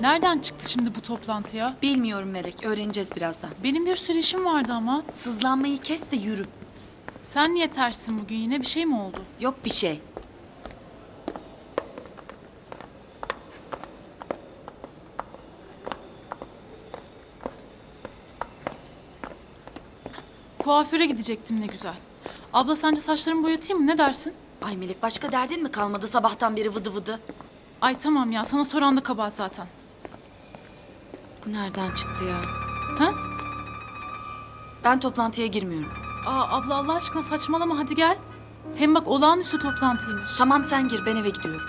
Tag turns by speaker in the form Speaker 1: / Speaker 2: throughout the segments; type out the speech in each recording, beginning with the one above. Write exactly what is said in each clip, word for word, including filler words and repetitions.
Speaker 1: Nereden çıktı şimdi bu toplantıya?
Speaker 2: Bilmiyorum Melek, öğreneceğiz birazdan.
Speaker 1: Benim bir sürü işim vardı ama.
Speaker 2: Sızlanmayı kes de yürü.
Speaker 1: Sen niye tersin bugün, yine bir şey mi oldu?
Speaker 2: Yok bir şey.
Speaker 1: Kuaföre gidecektim ne güzel. Abla sence saçlarımı boyatayım mı, ne dersin?
Speaker 2: Ay Melek, başka derdin mi kalmadı sabahtan beri vıdı vıdı?
Speaker 1: Ay tamam ya, sana soran da kabahat zaten.
Speaker 2: Bu nereden çıktı ya?
Speaker 1: Ha?
Speaker 2: Ben toplantıya girmiyorum.
Speaker 1: Aa abla Allah aşkına saçmalama, hadi gel. Hem bak olağanüstü toplantıymış.
Speaker 2: Tamam sen gir, ben eve gidiyorum.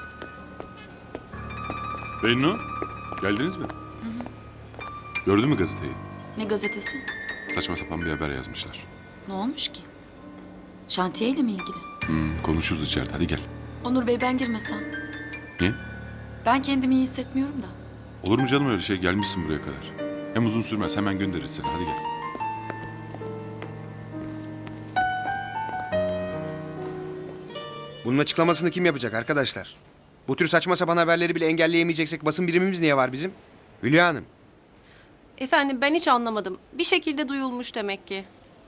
Speaker 3: Bennu, geldiniz mi? Gördün mü gazeteyi?
Speaker 2: Ne gazetesi?
Speaker 3: Saçma sapan bir haber yazmışlar.
Speaker 2: Ne olmuş ki? Şantiyeyle mi ilgili?
Speaker 3: Hmm, konuşuruz içeride, hadi gel.
Speaker 2: Onur Bey, ben girmesem.
Speaker 3: Niye?
Speaker 2: Ben kendimi iyi hissetmiyorum da.
Speaker 3: Olur mu canım öyle şey, gelmişsin buraya kadar. Hem uzun sürmez, hemen göndeririz seni, hadi gel.
Speaker 4: Bunun açıklamasını kim yapacak arkadaşlar? Bu tür saçma sapan haberleri bile engelleyemeyeceksek basın birimimiz niye var bizim? Hülya Hanım.
Speaker 5: Efendim ben hiç anlamadım. Bir şekilde duyulmuş demek ki.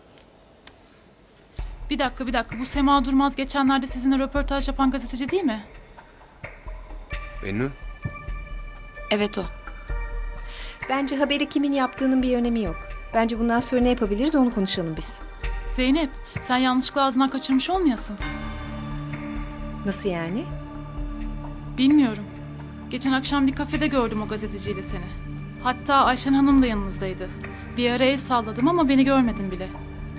Speaker 1: Bir dakika bir dakika, bu Sema Durmaz geçenlerde sizinle röportaj yapan gazeteci değil mi?
Speaker 4: Bennu.
Speaker 2: Evet o.
Speaker 6: Bence haberi kimin yaptığının bir önemi yok. Bence bundan sonra ne yapabiliriz onu konuşalım biz.
Speaker 1: Zeynep, sen yanlışlıkla ağzından kaçırmış olmayasın.
Speaker 6: Nasıl yani?
Speaker 1: Bilmiyorum. Geçen akşam bir kafede gördüm o gazeteciyle seni. Hatta Ayşen Hanım da yanınızdaydı. Bir ara el salladım ama beni görmedin bile.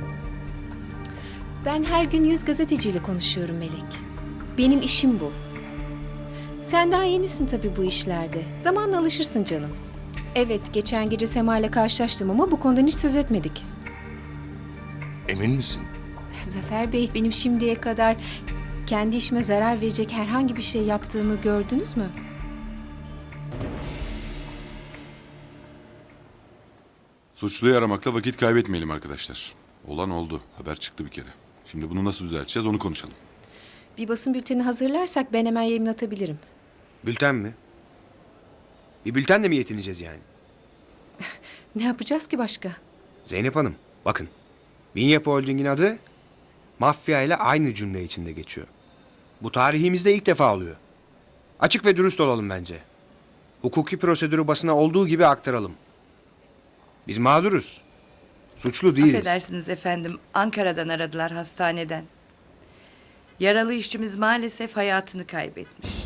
Speaker 6: Ben her gün yüz gazeteciyle konuşuyorum Melek. Benim işim bu. Sen daha yenisin tabii bu işlerde. Zamanla alışırsın canım. Evet, geçen gece Sema ile karşılaştım ama bu konudan hiç söz etmedik.
Speaker 4: Emin misin?
Speaker 6: Zafer Bey, benim şimdiye kadar kendi işime zarar verecek herhangi bir şey yaptığımı gördünüz mü?
Speaker 3: Suçluyu aramakla vakit kaybetmeyelim arkadaşlar. Olan oldu, haber çıktı bir kere. Şimdi bunu nasıl düzelteceğiz onu konuşalım.
Speaker 6: Bir basın bülteni hazırlarsak ben hemen yayınlatabilirim.
Speaker 4: Bülten mi? Bir bültenle mi yetineceğiz yani?
Speaker 6: Ne yapacağız ki başka?
Speaker 4: Zeynep Hanım, bakın. Bin Yapı Holding'in adı mafya ile aynı cümle içinde geçiyor. Bu tarihimizde ilk defa oluyor. Açık ve dürüst olalım bence. Hukuki prosedürü basına olduğu gibi aktaralım. Biz mağduruz. Suçlu değiliz.
Speaker 7: Affedersiniz efendim, Ankara'dan aradılar, hastaneden. Yaralı işçimiz maalesef hayatını kaybetmiş.